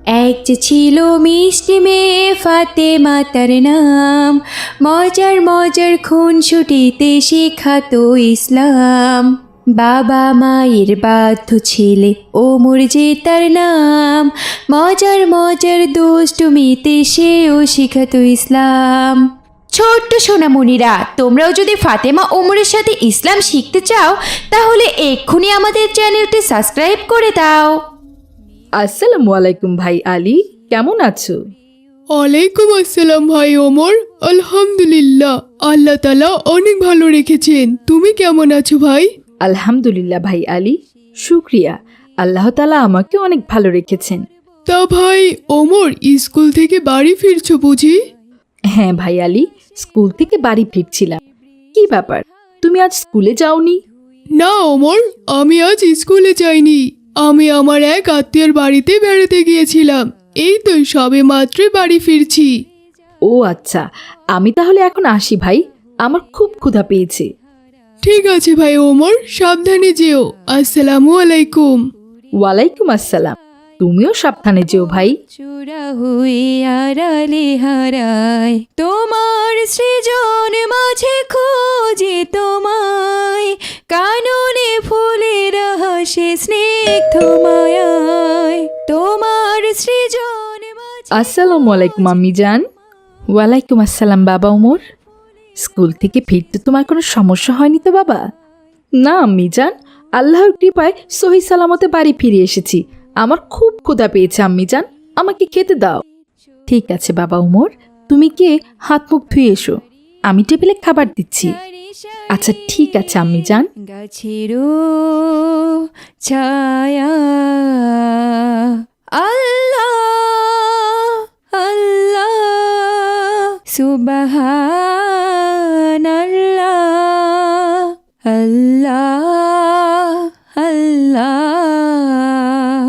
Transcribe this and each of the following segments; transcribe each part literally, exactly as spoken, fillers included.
এক যে ছিল মিষ্টি মেয়ে ফাতেমা তার নাম, মজার মজার খুনসুটিতে শেখাতো ইসলাম। বাবা মায়ের বাধ্য ছেলে ওমর যে তার নাম, মজার মজার দুষ্টুমিতে সেও শেখাতো ইসলাম। ছোট্ট সোনামণিরা, তোমরাও যদি ফাতেমা ওমরের সাথে ইসলাম শিখতে চাও তাহলে এক্ষুনি আমাদের চ্যানেলটি সাবস্ক্রাইব করে দাও। আসসালামু আলাইকুম ভাই আলী, কেমন আছো? ওয়ালাইকুম আসসালাম ভাই ওমর। আলহামদুলিল্লাহ, আল্লাহ তাআলা অনেক ভালো রেখেছেন। তুমি কেমন আছো ভাই? আলহামদুলিল্লাহ ভাই আলী, শুক্রিয়া। আল্লাহ তাআলা আমাকে অনেক ভালো রেখেছেন। তা ভাই ওমর, স্কুল থেকে বাড়ি ফিরছো বুঝি? হ্যাঁ ভাই আলী, স্কুল থেকে বাড়ি ফিরছিলাম। কি ব্যাপার, তুমি আজ স্কুলে যাওনি? না ওমর, আমি আজ স্কুলে যাইনি। আমি আমার এক আত্মীয়র বাড়িতে বেড়াতে গিয়েছিলাম। এই তো সবে মাত্র বাড়ি ফিরছি। ও আচ্ছা, আমি তাহলে এখন আসি ভাই, আমার খুব ক্ষুধা পেয়েছে। ঠিক আছে ভাই ওমর, সাবধানে যেও। আসসালামু আলাইকুম। ওয়ালাইকুম আসসালাম, তুমিও সাবধানে যেও ভাই। চূড়া হয়ে আড়ালে হারায়, তোমার সৃজন মাঝে খোঁজে তোমায়, কাননে ফুলের হাসে স্নিগ্ধ মায়ায়, তোমার সৃজন মাঝে। আসসালামু আলাইকুম আম্মি জান। ওয়ালাইকুম আসসালাম বাবা ওমর। স্কুল থেকে ফিরতে তোমার কোনো সমস্যা হয়নি তো বাবা? না আম্মি জান, আল্লাহর কৃপায় সহি সালামতে বাড়ি ফিরে এসেছি। আমার খুব ক্ষুধা পেয়েছে আম্মি জান, আমাকে খেতে দাও। ঠিক আছে বাবা ওমর, তুমি গিয়ে হাত মুখ ধুয়ে এসো, আমি টেবিলে খাবার দিচ্ছি। আচ্ছা ঠিক আছে আম্মি জান। গাছেরও ছায়া, আল্লাহ আল্লাহ সুবহানাল্লাহ, আল্লাহ আল্লাহ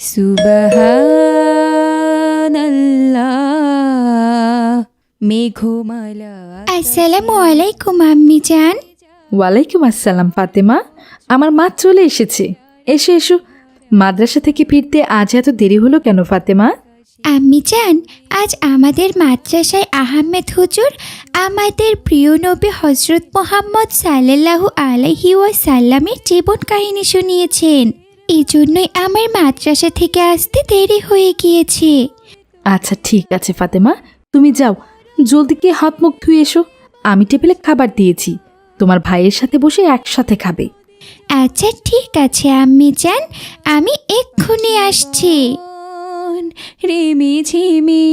সুবহানাল্লাহ। মেঘমালা। আসসালামু আলাইকুম আম্মি জান। ওয়ালাইকুম আসসালাম ফাতেমা, আমার মা চলে এসেছে। এসো এসো। মাদ্রাসা থেকে ফিরতে আজ এত দেরি হলো কেন ফাতেমা? আম্মি জান, আজ আমাদের মাদ্রাসায় আহমেদ হুজুর আমাদের প্রিয় নবী হজরত মোহাম্মদ সাল্লাল্লাহু আলাইহি ওয়াসাল্লামের জীবন কাহিনী শুনিয়েছেন। এই জন্যই আমার মাদ্রাসা থেকে আসতে দেরি হয়ে গিয়েছে। আচ্ছা ঠিক আছে ফাতেমা, তুমি যাও, জলদি গিয়ে হাত মুখ ধুয়ে এসো। আমি টেবিলে খাবার দিয়েছি, তোমার ভাইয়ের সাথে বসে একসাথে খাবে। আচ্ছা ঠিক আছে আম্মি জান, আমি এক্ষুনি আসছি। রিমি ঝিমি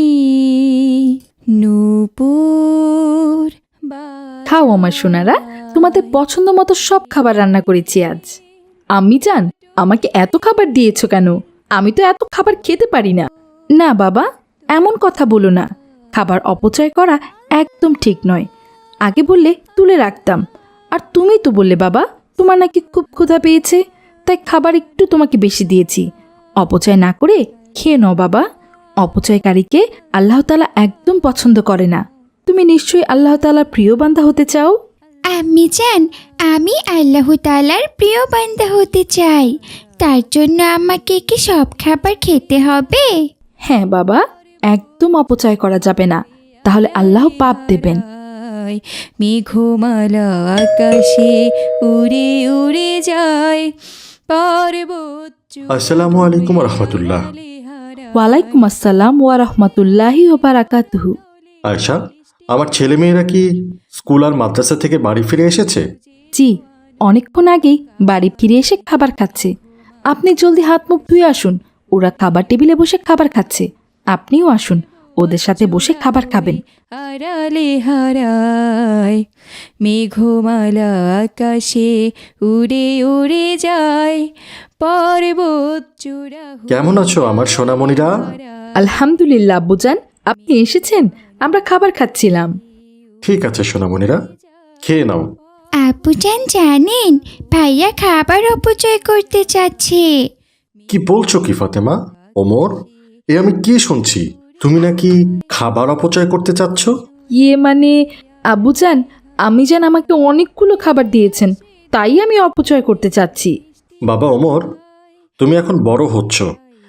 নূপুর। খাও আমার সোনারা, তোমাদের পছন্দ মতো সব খাবার রান্না করেছি আজ। আম্মি জান, আমাকে এত খাবার দিয়েছো কেন? আমি তো এত খাবার খেতে পারি না। না বাবা, এমন কথা বলো না। খাবার অপচয় করা একদম ঠিক নয়। আগে বললে তুলে রাখতাম। আর তুমি তো বললে বাবা তোমার নাকি খুব ক্ষুধা পেয়েছে, তাই খাবার একটু তোমাকে বেশি দিয়েছি। অপচয় না করে খেয়ে নাও বাবা। অপচয়কারীকে আল্লাহ তাআলা একদম পছন্দ করে না। তুমি নিশ্চয়ই আল্লাহ তাআলার প্রিয় বান্দা হতে চাও। আম্মি জান, আমি আল্লাহ তাআলার প্রিয় বান্দা হতে চাই। তার জন্য আমাকে কি সব খাবার খেতে হবে? হ্যাঁ বাবা, একদম অপচয় করা যাবে না, তাহলে আল্লাহ পাপ দেবেন। মেঘমালা আকাশে উড়ে উড়ে যায়, পর্বত। আসসালামু আলাইকুম রহমতুল্লাহ। ওয়ালাইকুম আসসালাম ওয়া রাহমাতুল্লাহি ওয়া বারাকাতুহু। আয়শা, আমার ছেলে মেয়েরা কি স্কুল আর মাদ্রাসা থেকে বাড়ি ফিরে এসেছে? জি, অনেকক্ষণ আগেই বাড়ি ফিরে এসে খাবার খাচ্ছে। আপনি জলদি হাত মুখ ধুয়ে আসুন, ওরা খাবার টেবিলে বসে খাবার খাচ্ছে। আপনিও আসুন, ওদের সাথে বসে খাবার খাবেন। আড়ালে হারায়, মেঘমালা আকাশে উড়ে উড়ে যায়, পর্বত চূড়া। কেমন আছো আমার সোনামণিরা? আলহামদুলিল্লাহ আব্বুজান, আপনি এসেছেন, আমরা খাবার খাচ্ছিলাম। ঠিক আছে সোনামণিরা, খেয়ে নাও। আব্বুজান জানেন, ভাইয়া খাবার অপচয় করতে চাচ্ছে। কি বলছো কি ফাতেমা? ওমর, এ আমি কি শুনছি? তুমি নাকি খাবার অপচয় করতে চাচ্ছ? ইয়ে মানে আব্বুজান, আমি জান আমাকে অনেকগুলো খাবার দিয়েছেন, তাই আমি অপচয় করতে চাচ্ছি। বাবা ওমর, তুমি এখন বড় হচ্ছ,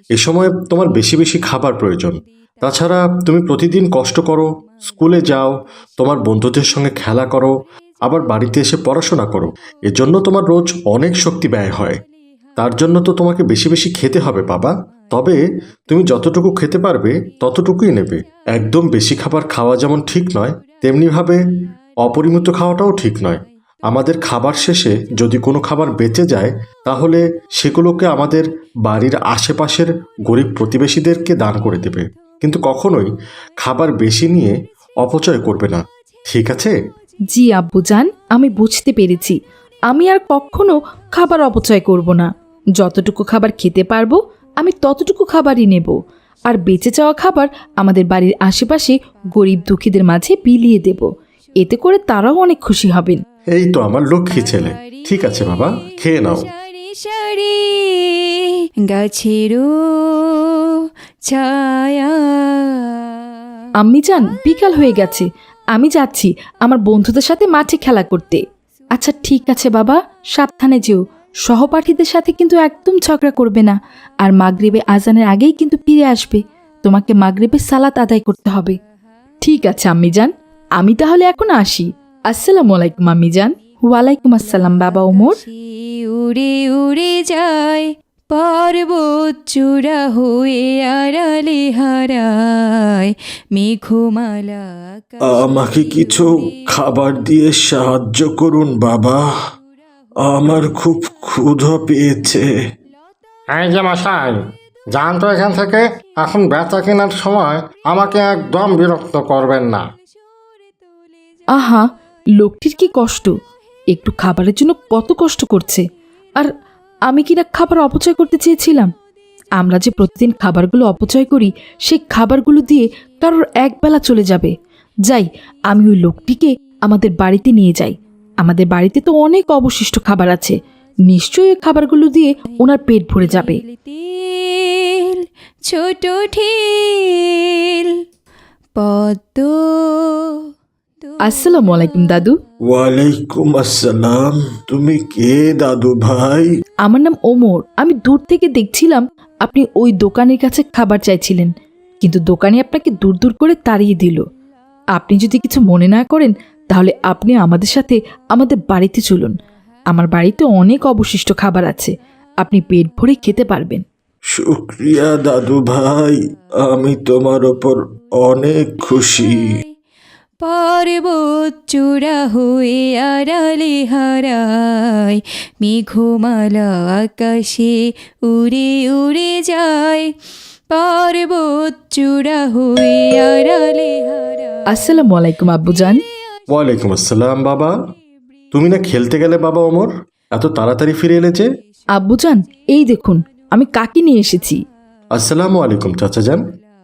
এ সময় তোমার বেশি বেশি খাবার প্রয়োজন। তাছাড়া তুমি প্রতিদিন কষ্ট করো, স্কুলে যাও, তোমার বন্ধুদের সঙ্গে খেলা করো, আবার বাড়িতে এসে পড়াশোনা করো। এজন্য তোমার রোজ অনেক শক্তি ব্যয় হয়। তার জন্য তো তোমাকে বেশি বেশি খেতে হবে বাবা। তবে তুমি যতটুকু খেতে পারবে ততটুকুই নেবে। একদম বেশি খাবার খাওয়া যেমন ঠিক নয়, তেমনিভাবে অপরিমিত খাওয়াটাও ঠিক নয়। আমাদের খাবার শেষে যদি কোনো খাবার বেঁচে যায় তাহলে সেগুলোকে আমাদের বাড়ির আশেপাশের গরিব প্রতিবেশীদেরকে দান করে দেবে, কিন্তু কখনোই খাবার বেশি নিয়ে অপচয় করবে না, ঠিক আছে? জি আব্বুজান, আমি বুঝতে পেরেছি। আমি আর কখনো খাবার অপচয় করব না। যতটুকু খাবার খেতে পারবো আমি ততটুকু খাবারই নেব, আর বেঁচে যাওয়া খাবার আমাদের বাড়ির আশেপাশে গরিব দুঃখীদের মাঝে বিলিয়ে দেব। এতে করে তারাও অনেক খুশি হবেন। এই তো আমার লক্ষ্মী ছেলে। ঠিক আছে বাবা, খেয়ে নাও। সারি সারি গাছেরও ছায়া। আম্মি যান, বিকাল হয়ে গেছে, আমি যাচ্ছি আমার বন্ধুদের সাথে মাঠে খেলা করতে। আচ্ছা ঠিক আছে বাবা, সাবধানে যেও। সহপাঠীদের সাথে কিন্তু একদম ঝগড়া করবে না। আর মাগরিবে আজানের আগেই কিন্তু ফিরে আসবে। তোমাকে মাগরিবে সালাত আদায় করতে হবে। ঠিক আছে আম্মি যান, আমি তাহলে এখন আসি। আসসালামু আলাইকুম আম্মি যান। ওয়ালাইকুম আসসালাম বাবা ওমর। সে উড়ে উড়ে যায় পর্বত চূড়া হয়ে আড়ালে হারায় মেঘমালা। আমাকে কিছু খাবার দিয়ে সাহায্য করুন বাবা, আমার খুব ক্ষুধা পেয়েছে। এই যে মশাই, যান তো এখান থেকে। এখন বেচা কেনার সময় আমাকে একদম বিরক্ত করবেন না। আহা, লোকটির কি কষ্ট, একটু খাবারের জন্য কত কষ্ট করছে। আর আমি কিনা খাবার অপচয় করতে চেয়েছিলাম। আমরা যে প্রতিদিন খাবারগুলো অপচয় করি, সেই খাবারগুলো দিয়ে কারোর একবেলা চলে যাবে। যাই, আমি ওই লোকটিকে আমাদের বাড়িতে নিয়ে যাই। আমাদের বাড়িতে তো অনেক অবশিষ্ট খাবার আছে, নিশ্চয়ই ওই খাবারগুলো দিয়ে ওনার পেট ভরে যাবে। তেল ছোট ঠিল পদ্ম। আসসালামু আলাইকুম দাদু। ওয়ালাইকুম আসসালাম। তুমি কে দাদু ভাই? আমার নাম ওমর। আমি দূর থেকে দেখছিলাম আপনি ওই দোকানের কাছে খাবার চাইছিলেন, কিন্তু দোকানি আপনাকে দূর দূর করে তাড়িয়ে দিল। আপনি যদি কিছু মনে না করেন তাহলে আপনি আমাদের সাথে আমাদের বাড়িতে চলুন। আমার বাড়িতে অনেক অবশিষ্ট খাবার আছে, আপনি পেট ভরে খেতে পারবেন। শুক্রিয়া দাদু ভাই, আমি তোমার ওপর অনেক খুশি। পর্বত চূড়া হয়ে আড়ালে হারায় মেঘমালা আকাশে উড়ে উড়ে যায় পর্বত চূড়া হয়ে আড়ালে হারায়। আসসালামু আলাইকুম আব্বুজান। ওয়ালাইকুম আসসালাম বাবা। তুমি না খেলতে গেলে বাবা ওমর? এত তাড়াতাড়ি ফিরে এলে যে? আব্বুজান, এই দেখুন আমি কাকি নিয়ে এসেছি। আসসালামু আলাইকুম চাচা যান।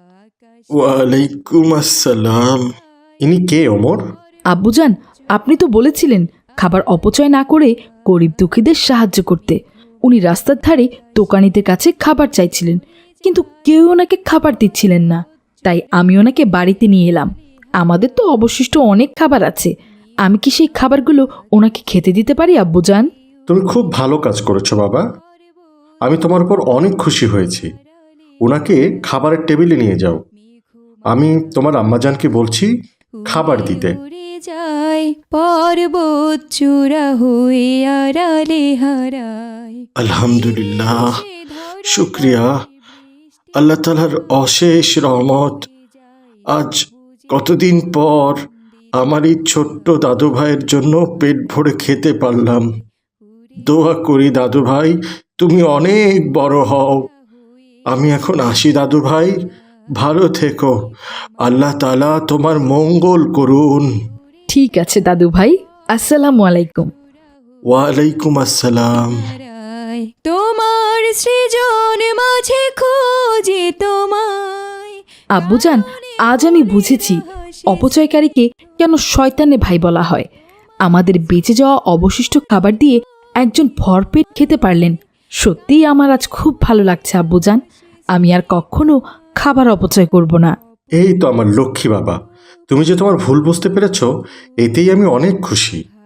ওয়ালাইকুম আসসালাম। ইনি কে ওমর? আব্বুজান, আপনি তো বলেছিলেন খাবার অপচয় না করে গরিব দুঃখীদের সাহায্য করতে। উনি রাস্তার ধারে দোকানিদের কাছে খাবার চাইছিলেন, কিন্তু কেউ ওনাকে খাবার দিচ্ছিলেন না। তাই আমি ওনাকে বাড়িতে নিয়ে এলাম। আমাদের তো অবশিষ্ট অনেক খাবার আছে, আমি কি সেই খাবারগুলো ওনাকে খেতে দিতে পারি আব্বুজান? তুমি খুব ভালো কাজ করেছো বাবা, আমি তোমার উপর অনেক খুশি হয়েছি। ওনাকে খাবারের টেবিলে নিয়ে যাও। আমি তোমার আম্মাজানকে বলছি খাবার দিতে। উড়ে যায় পর্বত চূড়া হয়ে আড়ালে হারায়। আলহামদুলিল্লাহ, শুক্রিয়া আল্লাহ তাআলার অশেষ রহমত। আজ কতদিন পর আমার এই ছোট্ট দাদু ভাইয়ের জন্য পেট ভরে খেতে পারলাম। দোয়া করি দাদু ভাই তুমি অনেক বড় হও। আমি এখন আসি দাদু ভাই, ভালো থেকো, আল্লাহ তাআলা তোমার মঙ্গল করুন। ঠিক আছে দাদু ভাই, আসসালামু আলাইকুম। ওয়ালাইকুম আসসালাম। হারায় তোমার সৃজন মাঝে খোঁজে তোমায়। আব্বুজান, আজ আমি বুঝেছি অপচয়কারীকে কেন শয়তানে ভাই বলা হয়। আমাদের বেঁচে যাওয়া অবশিষ্ট খাবার দিয়ে একজন ভরপেট খেতে পারলেন। সত্যিই আমার আজ খুব ভালো লাগছে আব্বুজান। আমি আর কখনো খাবার অপচয় করব না। এই তো আমার লক্ষ্মী বাবা, তুমি যে তোমার ভুল বুঝতে পেরেছো এতেই আমি অনেক খুশি।